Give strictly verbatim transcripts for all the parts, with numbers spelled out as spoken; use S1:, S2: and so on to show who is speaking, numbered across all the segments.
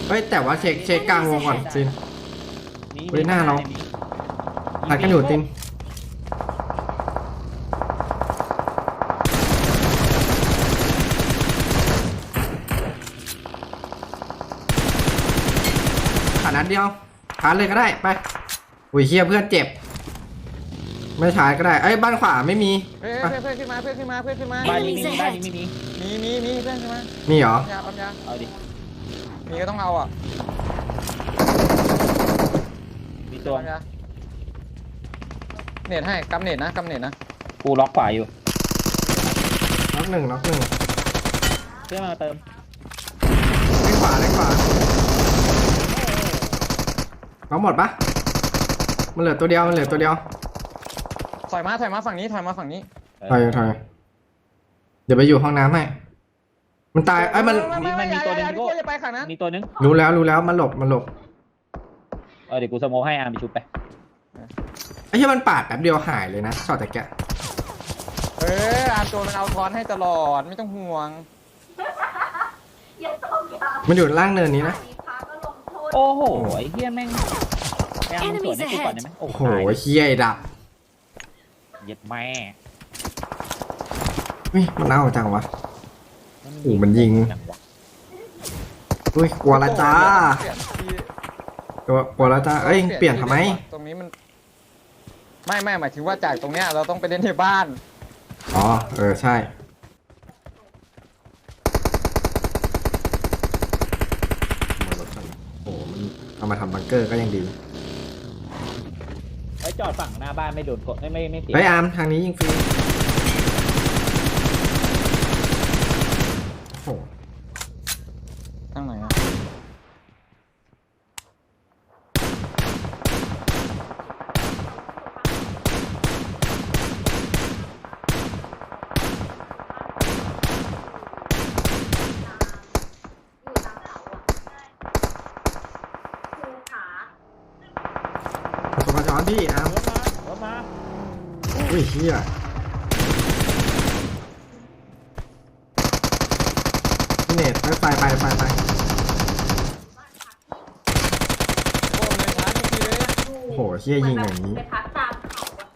S1: เฮ้ยแต่ว่าเช็คเช็คกลางวงก่อนซินเฮ้ยหน้าเราตัดกันอยู่ตินขานัดเดียวขาเลยก็ได้ไปอุ้ยเฮียเพื่อนเจ็บไม่ชาร์จก็ได้เอ้ยบ้านขวาไม่มี
S2: เพื่อนเพื่อนขึ้นมาเพื่อนขึ้นมาเพื่อนขึ้นมา
S3: บ้านนี้มีบ้านนี้มีมี
S2: มีมีมีเพื่อนขึ้นมา
S1: มีเหรอ
S2: ปั๊มยาปั๊มยา
S3: เอาดิ
S2: มีก็ต้องเอาอ่ะ
S3: มีตัว
S2: ปั๊มยาเน็ตให้กำเน็ตนะกำเน็ตนะ
S3: กูล็อกขวาอยู่
S1: น็อกหนึ่งน็อกหนึ่ง
S3: เพื่อนมาเติม
S1: เล่นขวาเล่นขวาน็อกหมดปะมันเหลือตัวเดียวมันเหลือตัวเดียว
S2: ถอยมาถอยมาฝั่งนี้ถอยมาฝั่งนี้
S1: ถอยถอยเดี๋ยวไปอยู่ห้องน้ำให้มันตายไอ้ยมัน
S2: ไม่ไม่มีตัวนึงก็จะไปขังนั้น
S3: มีตัวนึง
S1: รู้แล้วรู้แล้วมันหลบมันหลบ
S3: เออเดี๋ยวกูสโมให้อาร์มไปชุบไป
S1: ไอ้ที่มันปาดแป๊บเดียวหายเลยนะช็อตแต่แกะ
S2: เอออาตัวมันเอาทอนให้ตลอดไม่ต้องห่วง
S1: มันอยู่ล่างเนินนี้นะ
S3: โอ้โหไอ้เหี้ยแม่งแม่งสวนให้กูก่อนได้ไหมโอ้
S1: โอ้
S3: โห
S1: โหเฮียไอ้ดับ
S3: เย็ดแม่
S1: เฮ้ยมันเอาจังวะ โอ้มันยิง อุ้ยกลัวละจ้าตัวกลัวละจ้าเอ้ยเปลี่ยนทำไม
S2: ตรงนี้มันไม่ไม่หมายถึงว่าจากตรงเนี้ยเราต้องไปเล่นในบ้าน
S1: อ๋อเออใช่โอ้โหมันเอามาทำบังเกอร์ก็ยังดี
S3: ไว้จอดฝั่งหน้าบ้านไม่โดนกดไม่ไม่ไม่เสีย
S1: เฮ้ยอาร์มทางนี้ยิงฟรีโอ้โห
S2: ทางไหนอะ
S1: สมาจอนพี่อาร์ม
S3: รถมารถมา
S1: อุ้ยเฮียพี่เนตไปไปไปไปไป
S2: โอ้เลยช้าทุกทีเลย
S1: โอ้โหเฮียยิงอย่างนี้
S4: ไปพักตามเขาอะ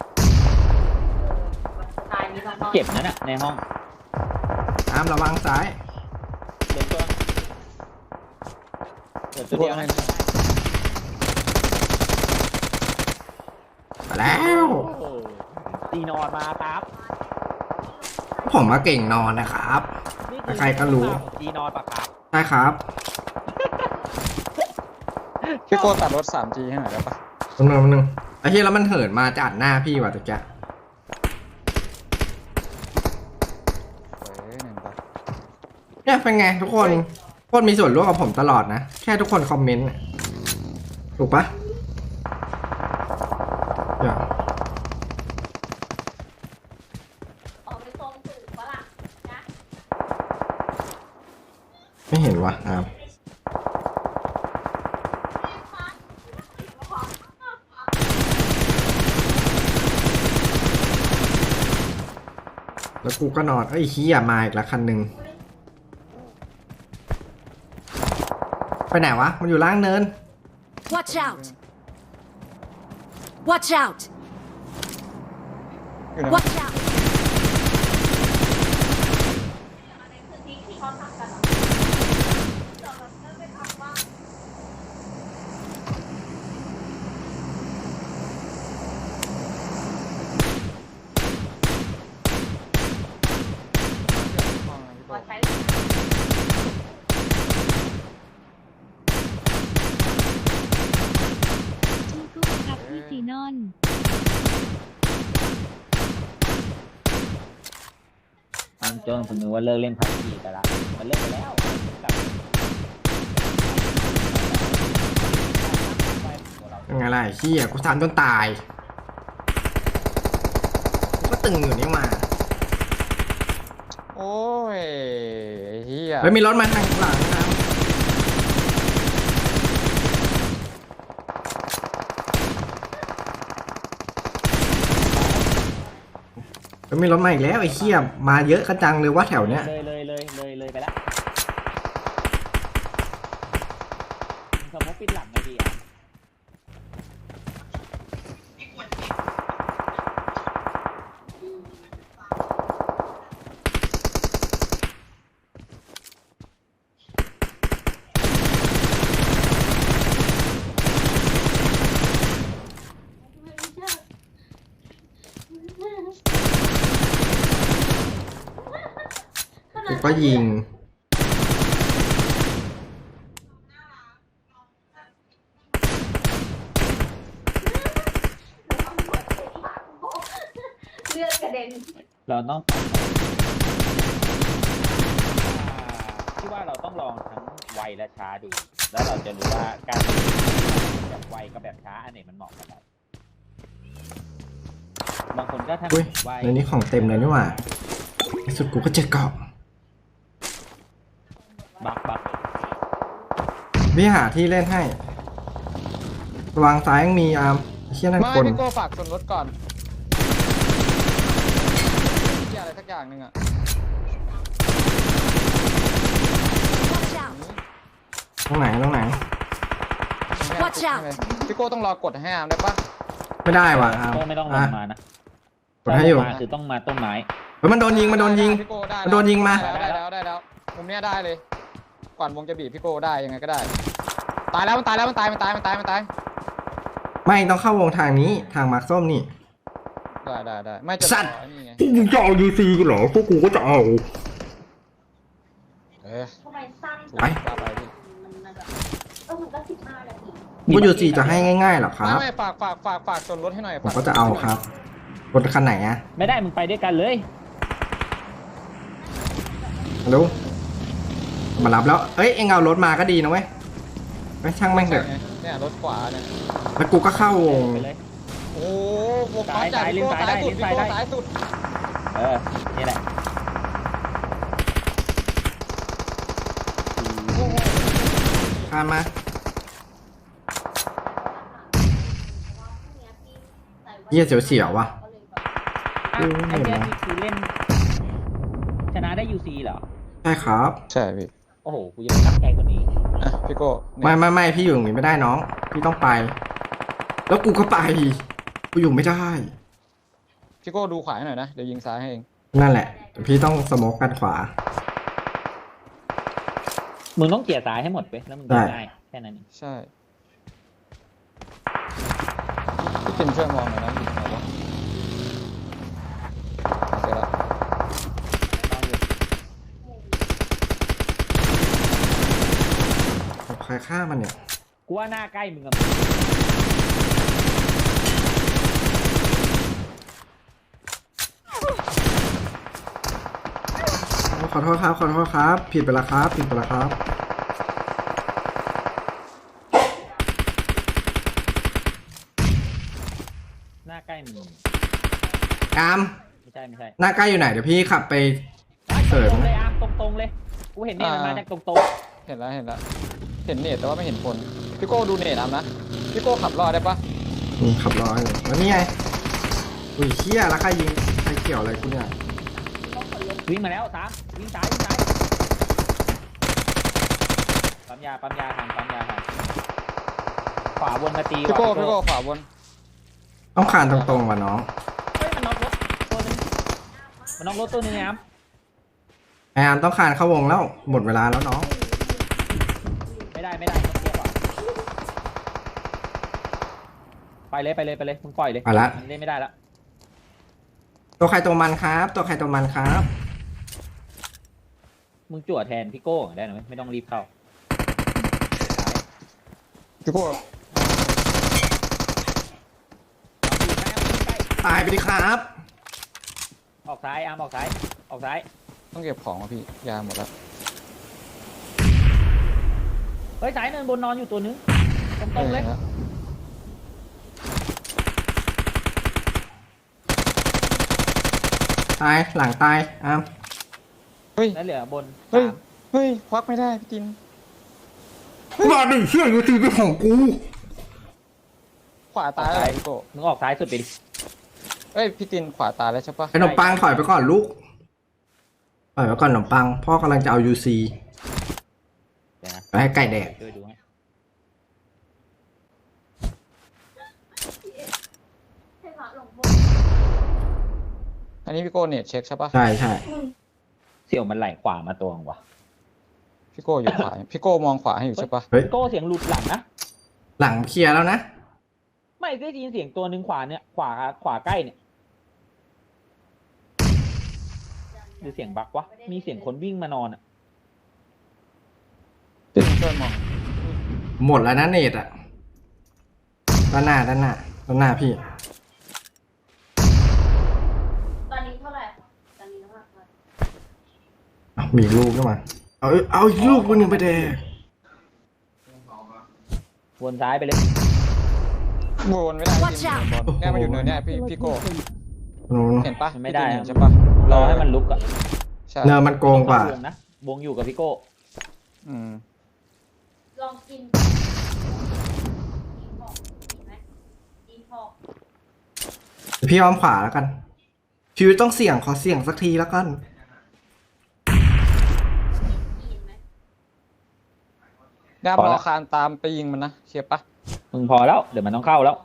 S4: สไตล์นี้เรานอน
S3: เจ็บนั่นน่ะในห้อง
S1: อาร์มระวังซ้าย
S3: เดี๋ยวตัวเดี๋ยวตัวเดียวให้
S1: มาแล้ว
S3: ตีนอนมาครับ
S1: ผมมาเก่งนอนนะครับ ใครก็รู้
S3: ตีนอนปะครับ
S1: ใช่ครับ
S2: พี่โคตัดรถ ทรีจี ให้หน่อยได้ปะ
S1: นึงนึงนึงไอ้เฮียแล้วมันเหินมาจัดหน้าพี่ว่ะตะแกะ
S2: เฮ้ยหนึ่งปะ
S1: เนี่ยเป็นไงทุกคนทุกคนมีส่วนร่วมกับผมตลอดนะ แค่ทุกคนคอมเมนต์น่ะถูกปะอย่า
S4: ออกไปทรงสื่อฝรั่งนะ
S1: ไม่เห็นวะอาร์มแล้วกูก็นอนเอ้ยเฮียมาอีกละคันหนึ่งไปไหนวะมันอยู่ล่างเนิน
S5: Watch out! Watch out!
S2: อยู่ไหน
S5: Watch out!
S4: ในพื้นที่ที่เขาทำกันเหรอเดี๋ยวเราจะไปทำว่า ขอใช้
S6: สู้ๆครับพี่ซีนอน
S3: ตามโจนผมนึกว่าเลิกเล่นพับจีกันละมันเลิกไปแล้วกลับ
S1: ยังไงล่ะไอ้เฮียกูทำจนตายกูก็ตึงอยู่นี่มา
S2: โอ้ยเฮีย
S1: แล้วมีรถมาทางหลังนะแล้วมีรถมาอีกแล้วไอ้เหี้ยมาเยอะกระจังเลยว่าแถวเนี้ย
S3: เลยเลยเลยเลยเลยไปแล้วปิดหลังไงดีอ่ะ
S1: กูก็ยิง
S4: เลือดกระเด็น
S3: เราต้องที่ว่าเราต้องลองทั้งไวและช้าดู แล้วเราจะรู้ว่าการแบบไวกับแบบช้าอันไหนมันเหมาะกับเราบางคนก็ทำ
S1: อุ้ย
S3: ไว
S1: ในนี้ของเต็มเลยนี่หว่าในสุดกูก็เจอเกาะ
S3: บักบัก
S1: พี่หาที่เล่นให้ระวังซ้ายยังมีอาร์มเชี่ยนั่น
S2: ไม่
S1: คน
S2: พี่โก้ฝากส่วนลดก่อนที่อะไรสักอย่างหนึ่งอะ
S1: ตรงไหนตรงไหน
S4: Watch out
S2: พี่โก้ต้องรอกดให้อามได้ปะ
S1: ไม่ได้ว่ะอาร์ม
S3: ไม่ต้องล
S1: อ่ะ
S3: งมานะ
S1: กดให้อยู่
S3: ถ้าลงมาคือต้องมาต้นไม้
S1: เฮ้ยมันโดนยิงมันโดนยิง
S2: พี่โก้ได้
S1: มันโดนยิงมา
S2: ได้แล้วได้แล้วมุมเนี้ยได้เลย ก่อนวงจะบีบพี่โก้ได้ยังไงก็ได้ ตายแล้วมันตายแล้วมันตายมันตายมันตายมันตาย
S1: ไม่ต้องเข้าวงทางนี้ทางมาร์คส้มนี่
S2: ได้ได้ได้ไม่จะ
S1: สัตว์
S2: ต่อนี่ไง
S1: พวกมึงจะเอายูซีกันเหรอพวกกูก็จะเอา
S2: เออ
S4: ทำไมสั้น
S1: ไป
S2: ว่าไปพี่
S4: มันแบบเออมันก็สิบห้านาที
S1: พวกยูซีจะให้ง่ายๆหรอค
S2: ไม่
S1: รับ
S2: ไม่ฝากฝากฝากฝากส่วนลดให้หน่อย
S1: ผมก็จะเอาครับรถคันไหนอะ
S3: ไม่ได้มึงไปด้วยกันเลย
S1: ฮัลโหลมารับแล้ว เอ้ย เอ็งเอารถมาก็ดีนะเว้ยไม่ช่างแม่งเถอะ
S2: เนี่ยรถขวาเนี่ย
S1: แล้วกูก็เข้าวง
S3: ไปเลย
S2: โอ้โหวงฟ้าจ่ายพี่โก้ซ้ายสุดพี่โก้ซ้ายสุด
S3: เออ นี่แหละ
S1: ผ่านมาเยี่ยเสียวๆว่ะ
S3: อ่ะไอ้เนี่ยนี่คือเล่น ชนะได้ยูซีเหรอ
S1: ใช่ครับ
S2: ใช่พี่
S3: โอ้โห กูยังตั้งใจกว่านี้
S2: อ่ะพี่โก้
S1: ไม่ไม่ไม่พี่อยู่อย่างนี้ไม่ได้น้อง พี่ต้องไป แล้วกูก็ไป กูอยู่ไม่ได้
S2: พี่โก้ดูขวาให้หน่อยนะเดี๋ยวยิงซ้ายให้เอง
S1: นั่นแหละแต่พี่ต้องสโมกกันขวา
S3: มึงต้องเกลี่ยสายให้หมดไปแล้วมึง
S1: ได้
S3: ได้แค่นั้นเอง
S2: ใช่พี่ติมช่วยมองหน่อยนะอยู่ไหนวะเสร็จแล้ว
S3: ต้องอยู่
S1: ใครฆ่ามันเนี่ย
S3: กูว่าหน้าใกล้มึงกับ
S1: ขอโทษครับ ขอโทษครับ ผิดไปแล้วครับ ผิดไปแล้วครับ
S3: หน้าใกล้มึง
S1: อาม
S3: ไม่ใช่ไม่ใช่
S1: หน้าใกล้อยู่ไหน เดี๋ยวพี่ขับไป
S3: ตรงๆเลยอาร์มตรงๆเลย กูเห็นเนี่ยมันมาจากตรง
S2: เห็นแล้วเห็นแล้วเห็นเนตแต่ว่าไม่เห็นคนพี่โก้ดูเนตอามนะพี่โก้ขับรอดได้ปะ
S1: นี่ขับร้อยเลยแล้วนี่ไงอุ้ยเชี่ยแล้วใครยิง ใครเกี่ยวอะไรกูเนี่ย
S3: ๆวิ่งมาแล้วสามวิ่งซ้ายวิ่งซ้ายปั๊มยาปั๊มยาทางปั๊มยาทางขวาวนมาตี
S2: พี่โก้
S3: ว่ะ
S2: พี่โก้ขวาบน
S1: ต้องคานตรงๆว่ะน้อง
S3: เฮ้ยมันน็อกรถตัวนึงมันน็อกรถตัวนึงนะครับ
S1: ไออามต้องคานเข้าวงแล้ว หมดเวลาแล้วน้อง
S3: ไม่ได้ไม่ได้ต้องเทียบว่ะไปเลยไปเลยไปเลยมึงปล่อยเลย
S1: ไปละ
S3: มันเล่นไม่ได้ละ
S1: ตัวใครตัวมันครับ ตัวใครตัวมันครับ
S3: มึงจั่วแทนพี่โก้ก่อนได้หน่อยไม่ต้องรีบเข้า
S2: พี่โก้
S1: ตายไปดิครับ
S3: ออกซ้ายอาร์มออกซ้ายออกซ้าย
S2: ต้องเก็บของอ่ะพี่ยาหมดแล้ว
S3: เฮ้ยซ้ายเนินบนนอนอยู่ตัวนึงตรงๆเลย
S2: ห็นแว
S1: ตาย หลังตายอาม
S2: เฮ้ย
S3: แล้วเหลือบน
S2: เฮ้ย
S3: สาม
S2: เฮ้ยควักไม่ได้พี่จิน
S1: มาดิเชี่ยยูซีเป็นของกู
S2: ขวาตายแล้วเหรอพี่โก้
S3: มึงออกซ้ายสุดไปดิ
S2: เอ้ยพี่จินขวาตายแล้วใช่ปะ
S1: ไอ้ขนมปังถอยไปก่อนลูกถอยไปก่อนขนมปัง พ่อกำลังจะเอายูซี
S3: เดี๋ยวนะ
S1: ไปให้ไก่แดก
S3: ช่วยดูให้
S2: อันนี้พี่โก้เน็ตเช็คใช่ปะ
S1: ใช่ใช่
S3: เสี่ยวมันไหลขวามาตัวงวะ
S2: พี่โก้อยู่ขวาพี่โก้มองขวาให้อยู่ใช่ปะ
S1: เฮ้ย
S3: พี่โก้เสียงหลุดหลังนะ
S1: หลังเคลียร์แล้วนะ
S3: ไม่ได้ยินเสียงตัวหนึ่งขวาเนี่ยขวาขวาใกล้เนี่ยหรือเสียงบักวะมีเสียงคนวิ่งมานอนอ่ะ
S2: พี่ช่วยมอง
S1: หมดแล้วนะเนตอะด้านหน้าด้านหน้าด้านหน้าพี่
S4: ตอนนี้เท่าไหร่ตอนนี้น้ำหนักเท่าไหร่
S1: อ้าวมีลูกด้วยมาเอาเอาอีกลูกนึงไปแดก
S3: วนซ้ายไปเลย
S2: วนไม่ได้จริงๆบอลเนี่ยมันอยู่เนินเนี่ยพี่พี่โก้
S1: โน้น
S2: เห็นปะ
S3: มันไม่ได้
S2: พี่เห็น
S3: อะ
S2: ใช่ปะ
S3: รอให้มันลุกอ่ะ
S2: ใช่
S1: เนินมันโกงกว่า
S3: วงนะวงอยู่กับพี่โก้
S2: อืม
S4: ลองกินกินของกินไหมกินของ
S1: พี่อ้อมขวาแล้วกันชีวิตต้องเสี่ยงขอเสี่ยงสักทีแล้วกัน
S4: กินไหม
S2: ด้ามรอคานตามไปยิงมันนะเคลียร์ปะ
S3: มึงพอแล้วเดี๋ยวมันต้องเข้าแล้ว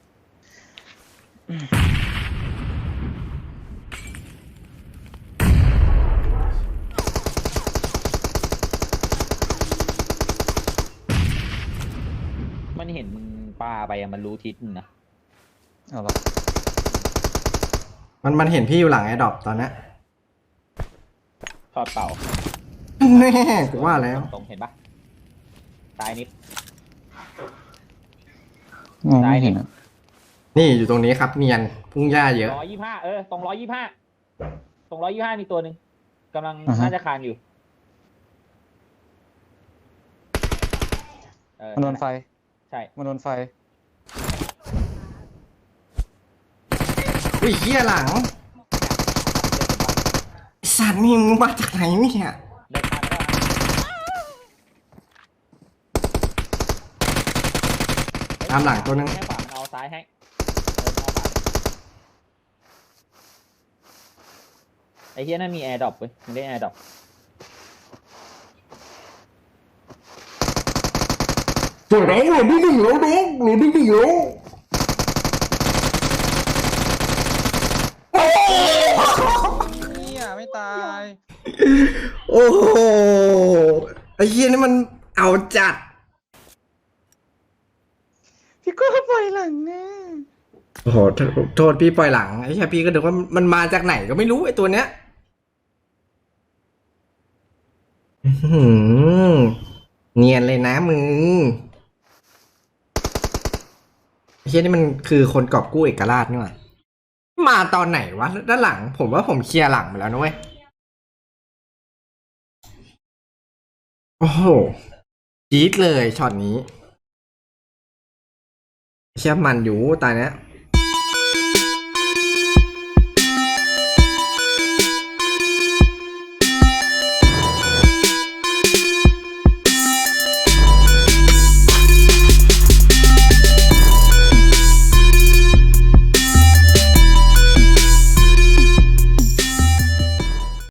S3: มันเห็นมึงปาไปอะมันรู้ทิศมึงนะ
S2: เอาละ
S1: มันมันเห็นพี่อยู่หลังไอ้ดรอปตอนนี้
S3: ทอดเป่า
S1: แน่กูว่าแล้ว
S3: ตรงๆเห็นปะซ้ายนิด
S2: มองไม่เห็นอะ
S1: นี่อยู่ตรงนี้ครับเนียนพุ่งหญ้าเยอะ
S3: ร้อยยี่ห้าเออตรงร้อยยี่ห้าตรงร้อยยี่ห้ามีตัวหนึ่งกำลังน่าจะคานอยู่เออ
S2: มันโดนไฟ
S3: ใช่
S2: มันโดนไฟ
S1: อุ้ยเหี้ยหลังไอ้สัตว์นี่มึงมาจากไหนเนี่ย
S3: เดินทางก็
S1: ตามหลังตัวนึง
S3: ให้ขวามันเอาซ้ายให้เดินเอาขวาไอ้เฮียนั่นมีแอร์ดรอปเว้ยมันได้แอร์ดรอป
S1: สวยน้องหลุดที่หนึ่งแล้วน้องหลุดที่หนึ่งแล้วโอ้
S2: เนี่ยไม่ตาย
S1: โอ้โหไอ้เหี้ยนี่มันเอาจัด
S2: พี่โก้ปล่อยหลังแน่
S1: โอ้โหโทษโทษพี่ปล่อยหลังไอ้เหี้ยพี่ก็นึกว่ามันมาจากไหนก็ไม่รู้ไอ้ตัวเนี้ยอื้อหือเนียนเลยนะมึงไอ้เหี้ยนี่มันคือคนกอบกู้เอกราชนี่หว่ามาตอนไหนวะด้านหลัง ผมว่าผมเคลียร์หลังไปแล้วนะเว้ยโอ้โหจี๊ดเลยช็อตนี้เชี่ยมันอยู่ตายเนี้ย